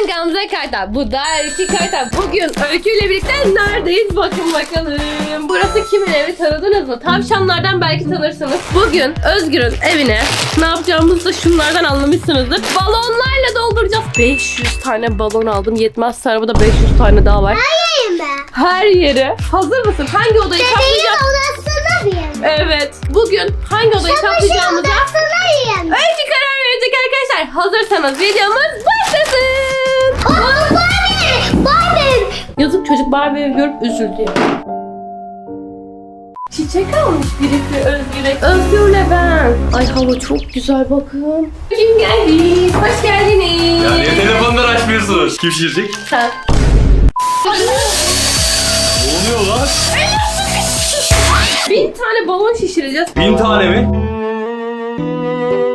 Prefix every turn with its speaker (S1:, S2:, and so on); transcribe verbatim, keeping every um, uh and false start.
S1: Gamze Kartal. Bu da Öykü Kartal. Bugün Öykü ile birlikte neredeyiz? Bakın bakalım. Burası kimin evi, tanıdınız mı? Tavşanlardan belki tanırsınız. Bugün Özgür'ün evine ne yapacağımızı da şunlardan anlamışsınızdır. Balonlarla dolduracağız. beş yüz tane balon aldım. Yetmezse arabada beş yüz tane daha var.
S2: Hayır mı?
S1: Her yere. Hazır mısın? Hangi odayı
S2: Bebeğin
S1: kaplayacağız?
S2: odasına mıyım?
S1: Evet. Bugün hangi odayı
S2: Çamaşır
S1: kaplayacağımıza
S2: odasınayım.
S1: Öykü karar verecek arkadaşlar. Hazırsanız videomuz başlasın.
S2: Aa, Barbie! Barbie!
S1: Yazık, çocuk Barbie'yi görüp üzüldü. Çiçek almış birisi Özgür'e. Özgür'le ben. Ay hava çok güzel bakın. Kim geldi? Hoş geldiniz.
S3: Ya niye telefonları açmıyorsunuz? Kim şişirecek?
S1: Sen.
S3: Ne oluyor lan?
S1: Bin tane balon şişireceğiz.
S3: Bin tane mi?